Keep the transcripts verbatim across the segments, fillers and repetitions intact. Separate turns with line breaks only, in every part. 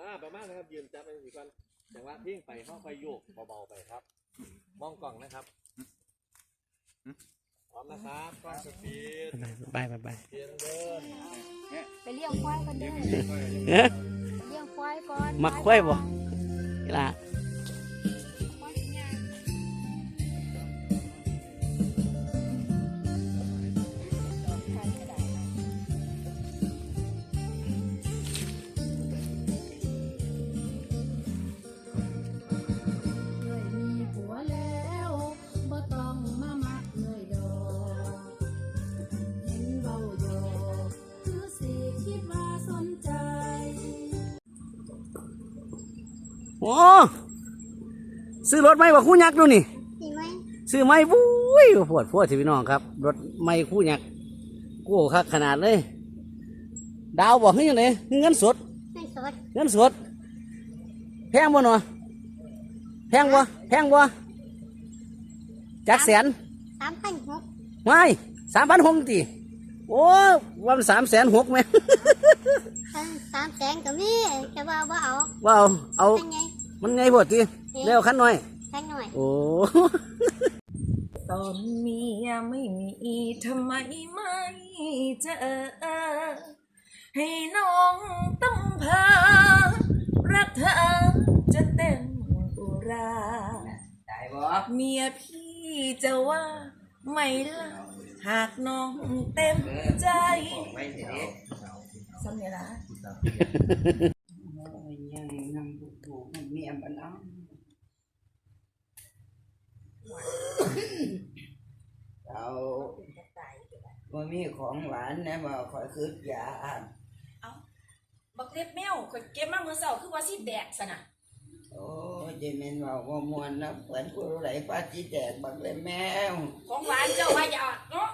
อ่าประมาณนะครับยืนจับไปสิก่อนแต่ว่าเพียงไปห้องไฟโยกเบาๆไปครับมองกล่องนะครับพร้อมนะครับกล้องสปีด
บายบายบาย
เพียงเดิน
ไปเลี้ยงควายกันเด้อเลี้ยงควายก่อน
มักควายบ่ล่ะโอ้ซื้อรถไหมว่าคู่ยักษ์ดูนี่ซื้อไหมซื้อไหมวุ้ยปวดปวดทีพี่น้องครับรถไม่คู่ยักษ์กู้คักขนาดเลยดาวบอกให้ยังไงเงินสดเงินสดเงินสดแพงบ่หนอแพงบ่แพงบ่จักแสนสามพันหกไม่สามพันหกตีโอ้วันสามแสนหกไหม
สามแสนก็มีจะว่าว่าเอา
ว่าเอาเอามันไงพอดีเร็วขั้นหน่อย
ขั้นหน่อย
โอ้
ตอนเมียไม่มีทำไมไม่เจอให้น้องต้องพารักเธอจะเต็มอุราเมียพี่จะว่าไม่ละหากน้องเต็มใจสำเนียงละ
ยังนั่งถูกๆเมียมันเอาเอาว่ามีของหวานนะมาคอยคืดยา
เอาบักเล็บแมวข่อยเก็บมาเมื่อเช้าคือว่าสิแดกซะน่ะ
โอ้เจมินว่าว่ามวนนะเหมือนกูไหลป้าจีแดกบักเล็บแมว
ของหวานเจ้าว่าอย่าเนาะ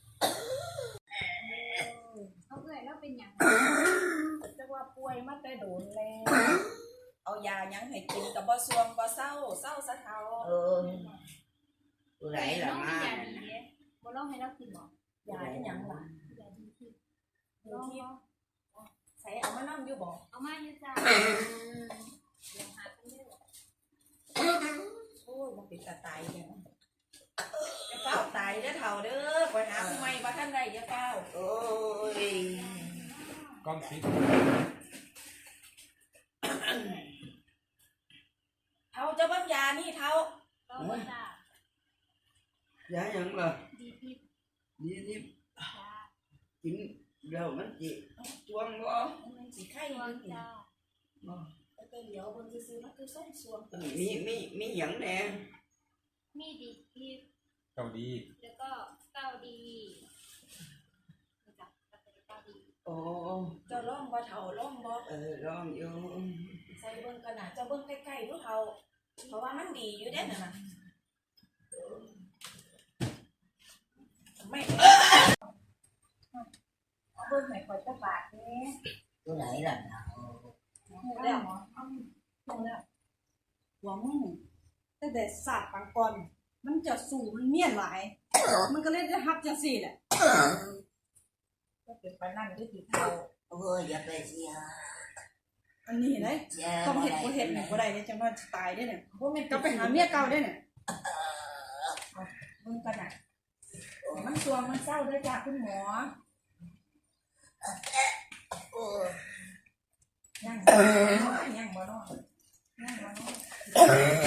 เขาเอ่ยแล้วเป็นอย่าง
จะว่าป่วยมาแต่โดนแล้วเอายายังให้กินกับบ่ซวงบ่เศร้าเศร้าซะเท่า
เออกูไหลละมา
บ่ลองให้เรากินบ่
ยาอีหยังล่ะ
ยาดีที่
ลองใส่เอามานำอยู่บ่
เอามาอยู่จ้าลองหากันเด้อ
โอ้ยบ่เป็นตาตายจังจะเฝ้าตายเด้อเฒ่าเด้อไปหาผู้ใหม่บ่ทันได้อย่าเฝ้า
โอ้ย
กล้องปิด
เฒ่าจะเบิ่งยานี่เฒ่า
ลองบ่จ้าย
าหยังล่ะ
ดีทิพ
ดีทิพกินเดี๋ยวมันจิจวงบ่
มันสิไข้อยู่จ้าบ่แต่เดี๋ยวเบิ่งซื่อๆมันคือส่งสวง
มีมีมีหยังแน่
มีดีทิพ
เกาดี
แล้วก็เกาดีจ้ะเกาดี
โอ้
จะลองบ่เฒ่าลองบ่
เออลองอยู่
ใส่เบิ่งกันน่ะจะเบิ่งใกล้ๆดูเฒ่าเพราะว่ามันดีอยู่เด้นั่นน่ะไม่เอาเบิ่งให้ข่อยจักบาทแหน่
ตัวไหนล่ะ
แล้วหมอเอาลงแล้วหวังแต่แต่ศาสตร์ปังกรมันจะสู่มันเมียนหลายมันก็เลยได้ฮับจังซี่แหละก็เป็นไปนั่นได้กี่เท่า
โอ้ยอย่าไปเสีย
อันนี้เห็นไหมต้องเห็ดบ่เห็ดเนี่ยบ่ได้เนี่ยจังว่าตายได้เนี่ยบ่แม่นก็ไปหาเมียเก่าได้เนี่ยเบิ่งกันน่ะมันตัวมันเศร้าด้วยจ้าคุณหมอ
โอ้
ยังยังบ่นอนยังบ่นอน